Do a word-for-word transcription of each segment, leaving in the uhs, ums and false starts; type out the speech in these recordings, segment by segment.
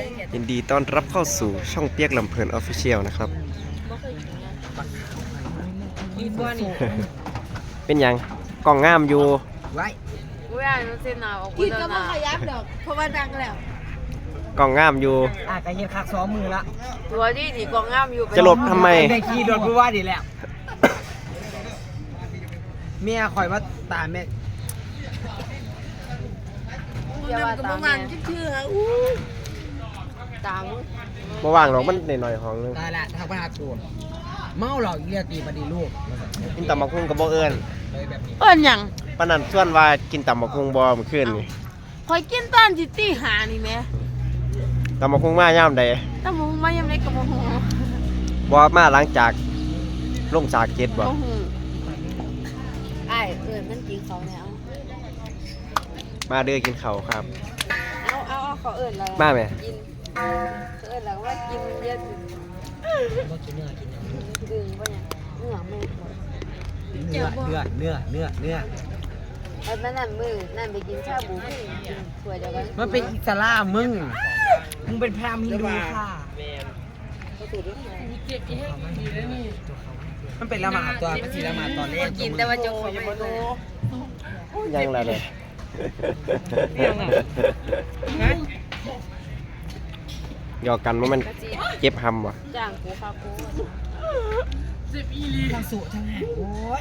ยินดีต้อนรับเข้าสู่ช่องเปียกลำเพลินออฟฟิเชียลนะครับเป็นยังกล่องงามอยู่ไว้อุ้ยอ่านมันเส้นหนาวออกกินก็ไม่ขยับดอกเพราะว่าดังแล้วกล่องงามอยู่อ่ะกระเทียมคักสองมือละตัวที่ดีกองงามอยู่จะหลบทำไมได้ขี่โดดกูว่าดีแล้วเมียคอยว่าตาแม่เดี๋ยวว่าตาแม่ชื่อฮะอู้ตามมาว่างหรอกมันหน่อยๆของนึงตายละทางปัญหาโกนเมาหลอกเรียตีมาดีลูกกินตำบักหุ่งกับบ่เอิญเอิ้นหยังปนันส่วนว่ากินตำบักหุ่งบ่เมื่อคืนนี่คอยกินตอนสิตีหานี่แม่ตำบักหุ่งมาย่ามใดตำบักหุ่งมาย่ำใดก็บ่ฮู้บ่มาหลังจากลงจากเจ็ดบ่บ่ฮู้อ้ายเอิ้นมันกินเขาแนวมาเด้อกินข้าวครับเอาเอาเอาเขาเอิ้นแล้วมาแม่กินเอิ้นแล้วว่ากินเยอะบ่กินเนื้อกินเนื้อดึงบ่หยังเนื้อไม่หมดเนื้อเนื้อเนื้อเนื้อเนื้อไอ้บ้านนั่นมื้อนั่นไปกินชาบูกินถ้วยเดียวกันมันเป็นอิสลามมึงมึงเป็นพราหมณ์ฮินดูค่ะมันเป็นละหมาดตัวมันสีละหมาดตอนแรกกินแต่ว่าจงเขาไม่รู้ยังละเลยหยอกกันว่ามันเจ็บหำวะจ้างกูค่ะกูทั้งสุทั้งแหงโอ้ย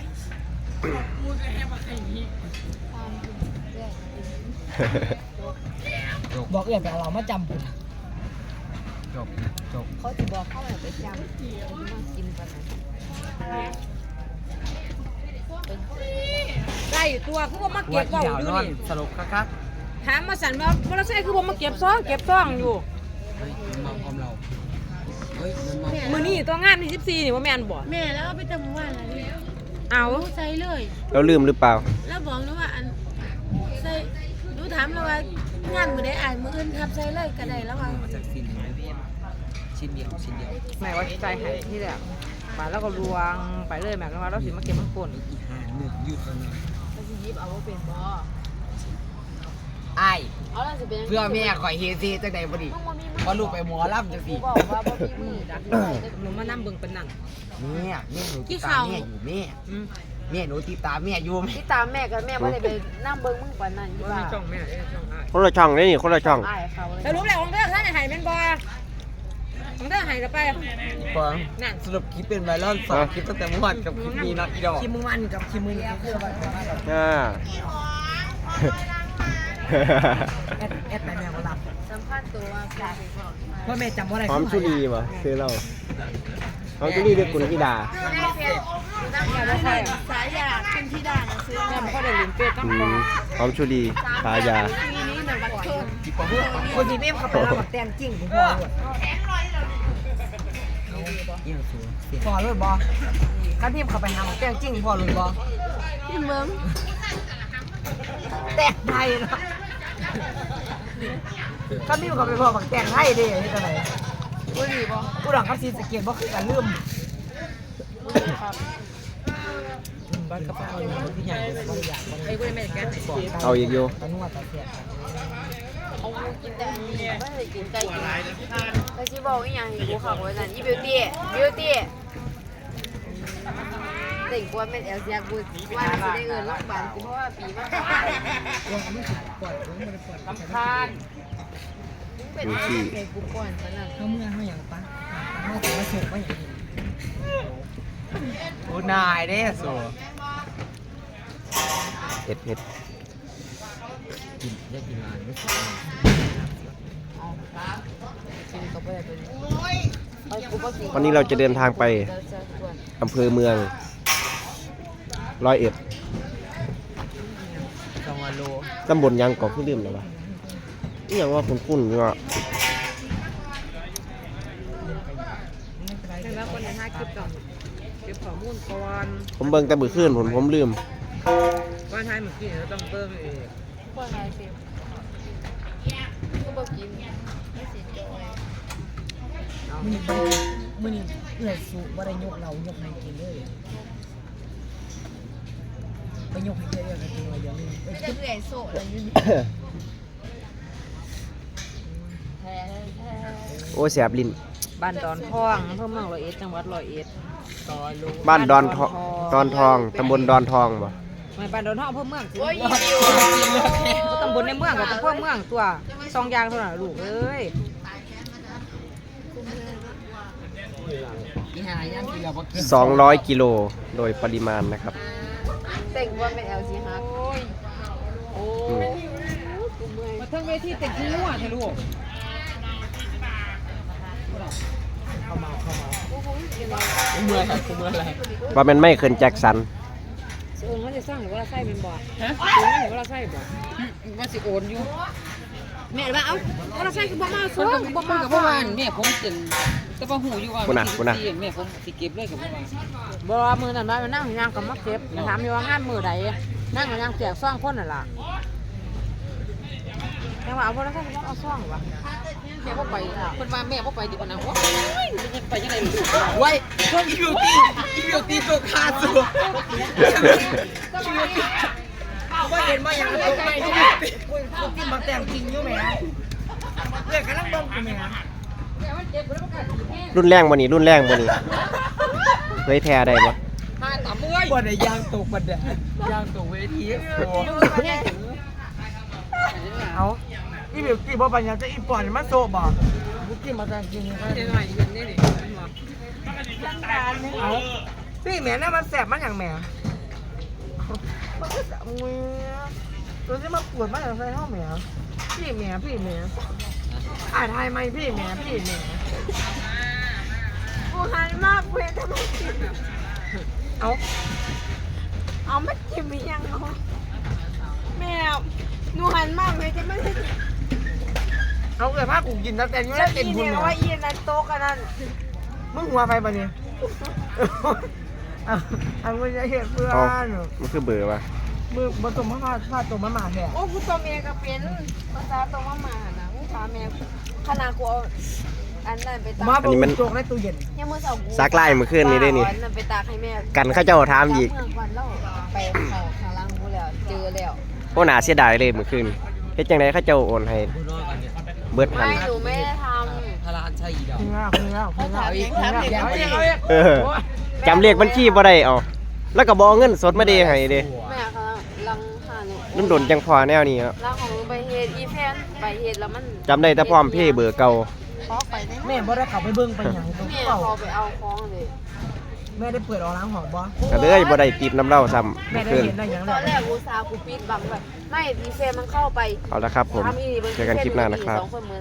บอกเอื่อยไปเรามาจำผมจบจบเขาจะบอกเขาไปจำมากินกันได้อยู่ตัวคือว่ามาเก็บว่าอยู่นี่สรุปครับถามมาสั่นว่าว่าเราใช่คือว่ามาเก็บซองเก็บซองอยู่เฮ้ยมันมาพร้อมเราเฮ้ยมันมามือนี่ตัวงานที่สิบสี่นี่ว่าแม่นบ่แม่แล้วไปจำวันอะไรเอาใส่เลยเราลืมหรือเปล่าแล้วบอกนะว่าอันใส่รู้ถามแล้วว่างานมือได้อ่านมืออื่นทับใส่เลยก็ได้แล้วว่ามาจากสิ้นชิ้นเดียวชิ้นเดียวแม่ว่าใจหายที่แบบมาแล้วก็ลวงไปเลยแม่ก็ว่าเราสิมาเก็บมันป่นอีกห้าหนึ่งยืดแล้วนะเราสิยิบเอาว่าเป็นบ่ไอ้เพื่อแม่ข่อยเฮซีจังใดบ่ดีว่าลูกไปหมอลำจังซี่บอกว่าบ่มีมือดักหนูมานั่งเบิ่งเป็นนั่งแม่แม่หนูติดตามแม่อยู่แม่แม่หนูติดตามแม่อยู่ติดตามแม่กับแม่บ่ได้ไปนั่งเบิ่งมึงปานนั้นอยู่ว่าช่องแม่ช่องอ้ายคนละช่องนี่คนละช่องสรุปแล้วของเด้อท่านให้แม่นบ่ของเด้อให้ละไปฟังนั่นสรุปคลิปเป็นไวรัลสองคลิปตั้งแต่เมื่อวานกับคลิปนี้นะอีดอกคลิปเมื่อวานกับคลิปมื้อนี้คือว่าอ่าแอดแอดแม่แม่มารับสัมภาษณ์ตัวว่าแม่จำว่าอะไรหอมชุลีป่ะซื้อเราหอมชุลีด้วยกุลธิดาสายยาคุณธิดานะซื้อแม่บ่ได้ลิ้นเป็ดต้องหอมชุลีสายาทีนี้หนึ่งบัตรเคนคนที่แม่เขาไปรับบักแตงจริงผมพอเลยพอเลยบอข้าพี่เขาไปหาบักแตงจริงพอเลยบอที่เมืองแตงไทยนะข้าพี่เขาไปพอบักแตงไทยดิที่ไหนกูดีบอกูหลังข้าซีสเกียร์บอคือการลืมบ้านกระเป๋าอยู่ที่ใหญ่เลยบริยาไอ้กูไม่ได้แก้ไหนบอกเอาอีกโยตอนนู้นว่าตอนเสียเอากินแต่อันนี้ไม่ได้กินไก่กินแต่ที่บอกอีกอย่างกูขับไว้นั่นอีบิวตี้บิวตี้เด็กกวนเป็นเอลเซียกูว่าจะได้เงินรักบานกูเพราะว่าปีมันลำคาญเป็นเด็กกูก่อนขนาดเขาเมื่อเขาอย่างปะเขาแต่ว่าสุกว่าอย่างนี้โอ้นายได้สูเห็ดเห็ดกินได้กินนานไม่สุกวันนี้เราจะเดินทางไปอำเภอเมืองร้อยเอ็ดจังหวัดโลตำบลยังเกาะขึ้นลืมแล้ววะนี่ยังว่าคุณคุณเนาะแต่ว่าคนในห้าคลิปก่อนเก็บข้อมูลก่อนผมเบิ่งแต่บื้อขึ้นผมผมลืมว่าไทยเมื่อกี้เราต้องเติมเองว่าไทยสิก็บอกกินไม่สิจอยมันนี่มันนี่เอื้อสูว่าได้ยกเรายกให้กินเลยไปยกให้เยอะๆกันกินมาเยอะนี่ไม่ได้เอื่อยโซ่เลยนี่แพ้แพ้โอ้ยแสบลิ้นบ้านดอนทองอำเภอเมืองร้อยเอ็ดจังหวัดร้อยเอ็ดต่อรู้บ้านดอนทองดอนทองตำบลดอนทองบ่ไม่บ้านดอนทองอำเภอเมืองสิโอ้ยอีวิวตำบลในเมืองกับตำบลเมืองตัวสองอย่างเท่านั้นลูกเอ้ยอีหาย่างกินแล้วบ่กินสองร้อยกิโลโดยปริมาณนะครับแต่งว่าเป็น แอล ซี ฮักอืมมาทั้งเวทีแต่งที่หัวเถอะลูกเข้ามาเข้ามากูเมื่อยครับกูเมื่อยอะไรว่ามันไม่เคินแจ็คสันโอนเขาจะสร้างหรือว่าเราไส้เป็นบ่ฮะโอนหรือว่าเราไส้บ่ว่าสิโอนอยู่แม่ว่าเอ้าว่าเราไส้คือบ่มาซื้อบ่มากับพ่อวานแม่ผมจนแต่ว่าหูอยู่ว่าคุณน่ะคุณน่ะแม่ผมสิเก็บเลยกับพ่อวานบ่ว่ามือนั่นว่ามันนั่งย่างกับมาเก็บถามอยู่ว่างานมือใดนั่งกับย่างแจกซ่องคนน่ะล่ะแม่ว่าเอาบ่เราไส้คือบ่เอาซ่องวะแม่บ่ไปเพิ่นว่าแม่บ่ไปดีกว่านะโอ้ยจะไปยังไงลูกไว้พวกอีบิวตี้อีบิวตี้ตัวคาสัวว่าเห็นมาอย่างตัวไม่ที่กูกินมาแต่งจริงอยู่แม่เด็กกำลังบ้องกูแม่รุ่นแรงบ่นี่รุ่นแรงบ่นี่เผยแพร่ได้บ่หาตามเอ้ยบ่ได้ยางตกบันไดยางตกเวทีโอ้เอาอีบิวตี้บ่ปัญญาจะอีปอนมันโซบ่กูกินมาแต่งจริงครับเดี๋ยวหน่อยเห็นนี่นี่เอาพี่แม่น่ะมันแสบมันอย่างแม่มันก็แสบมือตัวที่มาปวดมันอย่างไรห้องแม่พี่แม่พี่แม่อ่านไทยไหมพี่แม่พี่แม่กูหันมากเว้ยทำไมกินเอาเอาไม่กินมียังเอาแม่หนูหันมากเลยจะไม่ได้เอาเลยผ้ากูกินแล้วแต่ยังไม่จะได้เต็มกินบุญเนี่ยเลว่าย อีนั่นโต๊ะกันนั่นมึงหัวไปปะเนี่ยเอาเอาไม่ใช่เหตุเพื่อเอานมันคือเบอร์ว่ะมือบนตัวมะพร้าวพาตัวมะหมาแท้โอ้กูตัวเมียก็เป็นภาษาตัวมาหมานะกูถามแม่ขนาดกูเอาอันนั้นไปตากมาบอกโจกในตู้เย็นยังมือเสาร์กูซักไล่เมื่อคืนนี้ได้นี่อันนั้นไปตากให้แม่กันเขาเจ้าถามอีกเมื่อวันแล้วไปเขาข้างล่างกูแล้วเจอแล้วโอ้น่าเสียดายเลยเมื่อคืนเฮ็ดจังไดเขาเจ้าโอนให้เบิดพันไม่หนูไม่ได้ทพลานใช่อีดอกคุณแล้วคุณแล้วคุณแล้วำเองทำเด็กเอาเอาเอเอง งเอาเองเออจำเลขบัญชีบ่ได้เอาแล้วก็บ่เอาเงินสดมาเดให้เด้แม่เขาลังหาหนูนุ่นโดนจังพอแนวนี้ครับลังของหนูไปเฮ็ดอีแพนไปเฮ็ดแล้วมันจำได้แต่พร้อมเพย์เบอร์เก่าขอไปได้ไหมแม่บ่ได้ขับไปเบิ้งไปอย่างตัวแม่เก่าขอไปเอาของเลยแม่ได้เปิดออกล้างหอบ่ก็เลยบ่ได้ติดน้ำเหล้าซ้ำแม่เมื่อคืนได้เห็นได้อย่างตไรอนแรกกูซากูปิดบังแบบไม่อีแฟนมันเข้าไปเอาละครับผมทำอีนี่เจอกันคลิปหน้านะครับสองคนมือ